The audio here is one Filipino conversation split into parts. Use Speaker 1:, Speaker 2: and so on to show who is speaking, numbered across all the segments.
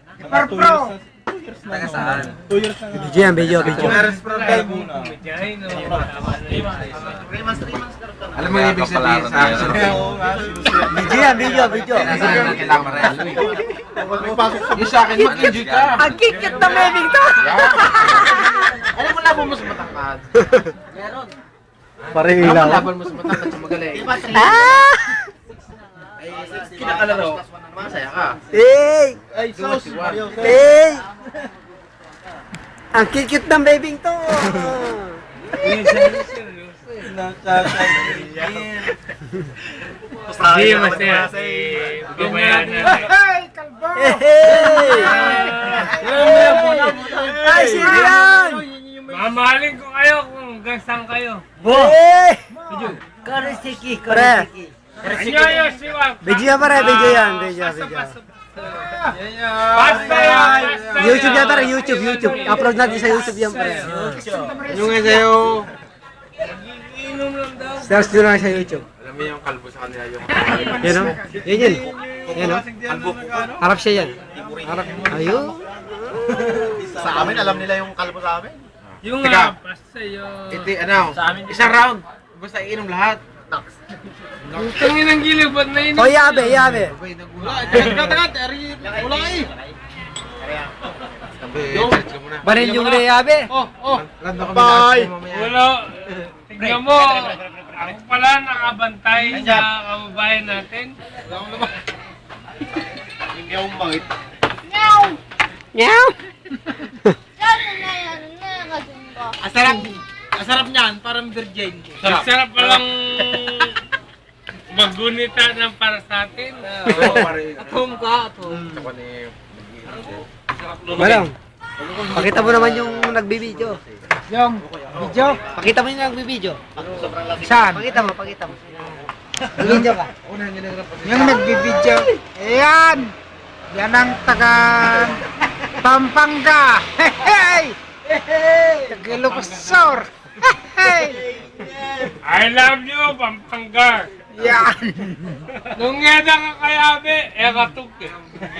Speaker 1: Par Pro.
Speaker 2: 2 years na. 2 years na.
Speaker 3: Video yan, video.
Speaker 1: Meron Pro tayo muna.
Speaker 4: Alam mo yung ibig sabihin sa action?
Speaker 3: Video yan, video.
Speaker 4: Kailangan mo rin. Yung sa akin, mag-enjoy ka.
Speaker 3: Ang kikit na bebing to!
Speaker 4: Alam mo laban mo sa matangkad.
Speaker 3: Pare
Speaker 4: Alam mo
Speaker 3: ilaw.
Speaker 4: laban mo sa matangkad sa magaling.
Speaker 3: Ah!
Speaker 4: Kinakalaro. Masaya ka.
Speaker 3: Hey!
Speaker 1: Ay, sauce.
Speaker 3: Hey! Ang kikit ng bebing to!
Speaker 5: Hindi, masaya. Babayaan na.
Speaker 1: Hey, kalbo!
Speaker 3: Hey! Ay, sino yan?
Speaker 5: Mamahalin ko kayo kung hanggang saan kayo.
Speaker 3: Hey!
Speaker 6: Karisiki,
Speaker 3: Pare,
Speaker 5: Anyo, siwang.
Speaker 3: video yan pare, video yan.
Speaker 5: Basta yan.
Speaker 3: YouTube yan pare, YouTube. Upload natin sa YouTube yan pare.
Speaker 4: Yung nga sa'yo.
Speaker 5: Inom lang daw.
Speaker 3: Search nyo lang sa YouTube.
Speaker 4: Alam mo yung kalbo sa kanila yung
Speaker 3: Yan o. Yan o.
Speaker 4: kalbo ko.
Speaker 3: Harap siya yan. Harap. Ayun.
Speaker 1: Sa amin, alam nila yung kalbo sa amin.
Speaker 5: Yung
Speaker 4: Teka.
Speaker 5: nga, basta yun.
Speaker 4: Ito, ano? Isang round. Basta iinom lahat.
Speaker 5: Tangin ng gilid, ba't na inom?
Speaker 3: O yabe.
Speaker 4: Sabay nagulat.
Speaker 1: Wala eh.
Speaker 4: Sabay, search ka muna.
Speaker 3: Banil yung yabe.
Speaker 4: Rando kami
Speaker 1: Bye.
Speaker 4: lahat mamaya.
Speaker 5: Wala. Tignan mo. Ako pala nakabantay sa kababayan natin.
Speaker 1: Hindi akong mangit.
Speaker 3: Meow.
Speaker 1: Asarap niyan, parang virgin.
Speaker 5: Sarap palang maggunita ng para sa atin.
Speaker 4: Oo, pare.
Speaker 6: Atom ka, atom.
Speaker 4: Ako ni...
Speaker 3: Balong. Pakita mo naman yung nagbibideo.
Speaker 6: Yung video.
Speaker 3: Pakita mo yung nagbibideo.
Speaker 6: Saan?
Speaker 3: Pakita mo. Nagbibideo ka.
Speaker 4: Unang ginagrap pa
Speaker 6: Yung nagbibideo. Ayan! Yan ang taga Pampanga. Hey! Tagalogosor. Hey!
Speaker 5: I love you, Pampanga.
Speaker 6: Yan!
Speaker 5: Nung ngeda ka kayabe, katuk eh.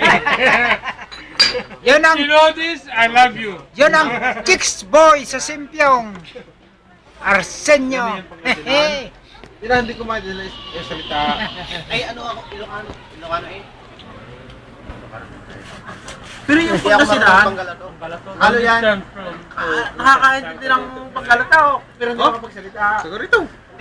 Speaker 6: Yun ang,
Speaker 5: You know this, I love you.
Speaker 6: yun ang Kicks Boy sa Simpyong. Arsenio. Hey!
Speaker 4: Hindi na, hindi ko madala yung salita.
Speaker 1: Ay, ano ako? Ilocano eh.
Speaker 4: Pero yung
Speaker 1: Hindi ako
Speaker 4: pagkasinan,
Speaker 1: Pangalato. Ano yan?
Speaker 5: From
Speaker 1: Nakakaintindi ng Panggalatao. Pero hindi ako magsalita.
Speaker 4: siguro ito.